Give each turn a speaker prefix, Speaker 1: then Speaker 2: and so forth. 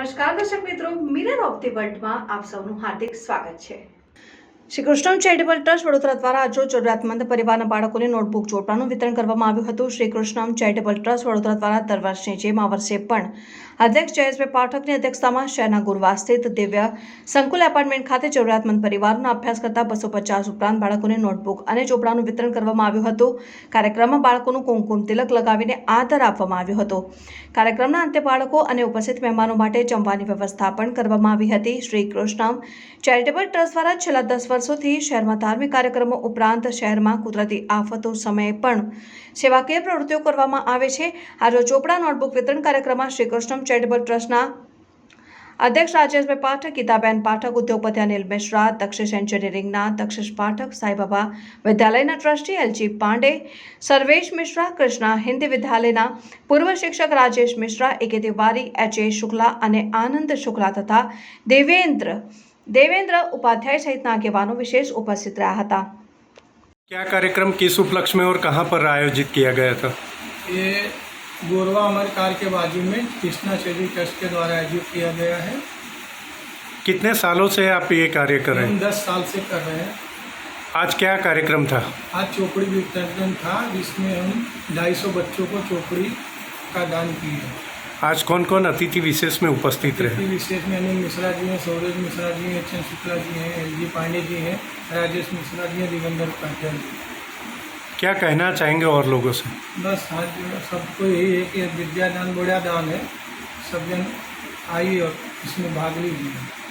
Speaker 1: નમસ્કાર દર્શક મિત્રો, મિરર ઓફ ધી વર્લ્ડમાં આપ સૌનું હાર્દિક સ્વાગત છે। શ્રી કૃષ્ણ ચેરિટેબલ ટ્રસ્ટ વડોદરા દ્વારા આજરોજ જરૂરિયાતમંદ પરિવારના બાળકોને નોટબુક ચોપડાનું વિતરણ કરવામાં આવ્યું હતું। શ્રી કૃષ્ણ ચેરિટેબલ ટ્રસ્ટ વડોદરા દ્વારા દર વર્ષની જેમ આ વર્ષે પણ અધ્યક્ષ જયેશભાઈ પાઠકની અધ્યક્ષતામાં શહેરના ગુરવા સ્થિત દિવ્ય સંકુલ એપાર્ટમેન્ટ ખાતે જરૂરિયાતમંદ પરિવારોના અભ્યાસ કરતા 250 ઉપરાંત બાળકોને નોટબુક અને ચોપડાનું વિતરણ કરવામાં આવ્યું હતું। કાર્યક્રમમાં બાળકોનું કુમકુમ તિલક લગાવીને આદર આપવામાં આવ્યો હતો। કાર્યક્રમના અંતે બાળકો અને ઉપસ્થિત મહેમાનો માટે જમવાની વ્યવસ્થા પણ કરવામાં આવી હતી। શ્રી કૃષ્ણ ચેરિટેબલ ટ્રસ્ટ દ્વારા છેલ્લા 10 વર્ષોથી શહેરમાં ધાર્મિક કાર્યક્રમો ઉપરાંત શહેરમાં કુદરતી આફતો સમયે પણ સેવાકીય પ્રવૃત્તિઓ કરવામાં આવે છે। આજે ચોપડા નોટબુક વિતરણ કાર્યક્રમમાં શ્રી કૃષ્ણ ચેરિટેબલ ટ્રસ્ટના અધ્યક્ષ રાજેશભાઈ પાઠક, ગીતાબેન પાઠક, ઉદ્યોગપતિ અનિલ મિશ્રા, દક્ષિશ એન્જિનિયરિંગના દક્ષિશ પાઠક, સાંઈબાબા વિદ્યાલયના ટ્રસ્ટી એલજી પાંડે, સર્વેશ મિશ્રા, કૃષ્ણા હિન્દી વિદ્યાલયના પૂર્વ શિક્ષક રાજેશ મિશ્રા, એકે તિવારી, એચ.એ. શુક્લા અને આનંદ શુક્લા તથા देवेंद्र उपाध्याय सहित આગેવાનો विशेष उपस्थित रहा था।
Speaker 2: क्या कार्यक्रम किस उपलक्ष्य में और कहाँ पर आयोजित किया गया था?
Speaker 3: ये गोरवा अमर कार के बाजू में कृष्णा चैरिटी ट्रस्ट के द्वारा आयोजित किया गया है।
Speaker 2: कितने सालों से आप ये कार्य कर रहे हैं?
Speaker 3: हम 10 साल से कर रहे हैं।
Speaker 2: आज क्या कार्यक्रम था?
Speaker 3: आज चोपड़ी वितरण था जिसमें हम 250 बच्चों को चोपड़ी का दान किए।
Speaker 2: आज कौन कौन अतिथि विशेष में उपस्थित रहे?
Speaker 3: विशेष में अनिल मिश्रा जी हैं, सौरज मिश्रा जी हैं, एच.एन. शुक्ला जी हैं, एल.जी. पांडे जी हैं, राजेश मिश्रा जी हैं, देवेंद्र उपाध्याय जी।
Speaker 2: क्या कहना चाहेंगे और लोगों से?
Speaker 3: बस आज सबको यही है कि विद्यादान बड़ा दान है, सब जन आइए और इसमें भाग लीजिए।